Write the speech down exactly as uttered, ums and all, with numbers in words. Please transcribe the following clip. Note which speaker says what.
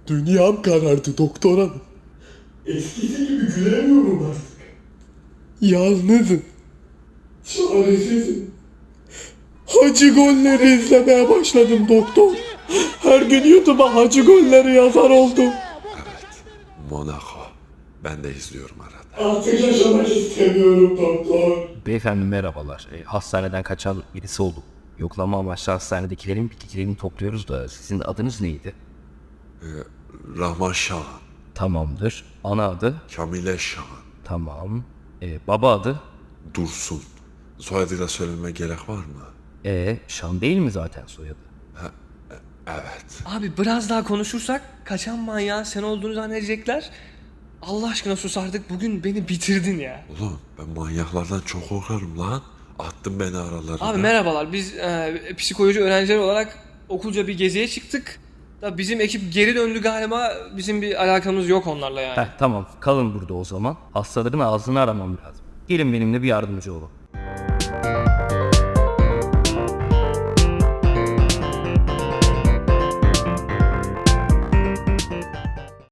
Speaker 1: Dünyam karardı doktor hanım. Eskisi gibi gülemiyorum artık. Yalnızım. Çaresizim. Hacı golleri izlemeye başladım doktor. Her gün YouTube'a hacı golleri yazar oldum.
Speaker 2: Evet. Monaco. Ben de izliyorum arada.
Speaker 1: Artık yaşamak istemiyorum doktor.
Speaker 3: Beyefendi merhabalar. E, hastaneden kaçan birisi olduk. Yoklama amaçlı hastanedekilerin bilgilerini topluyoruz da sizin adınız neydi?
Speaker 2: Rahman Şahan.
Speaker 3: Tamamdır. Ana adı?
Speaker 2: Kamile Şahan.
Speaker 3: Tamam. E, baba adı?
Speaker 2: Dursun. Soyadıyla söylememe gerek var mı?
Speaker 3: E, Şan değil mi zaten soyadı?
Speaker 2: Evet.
Speaker 4: Abi biraz daha konuşursak kaçan manyağın sen olduğunu zannedecekler. Allah aşkına sus artık, bugün beni bitirdin ya.
Speaker 2: Oğlum ben manyaklardan çok korkarım lan. Attın beni aralarına.
Speaker 4: Abi merhabalar, biz e, psikoloji öğrencileri olarak okulca bir geziye çıktık. Da bizim ekip geri döndü galiba, bizim bir alakamız yok onlarla yani.
Speaker 3: Heh, tamam kalın burada o zaman. Hastaların ağzını aramam lazım. Gelin benimle bir yardımcı olun.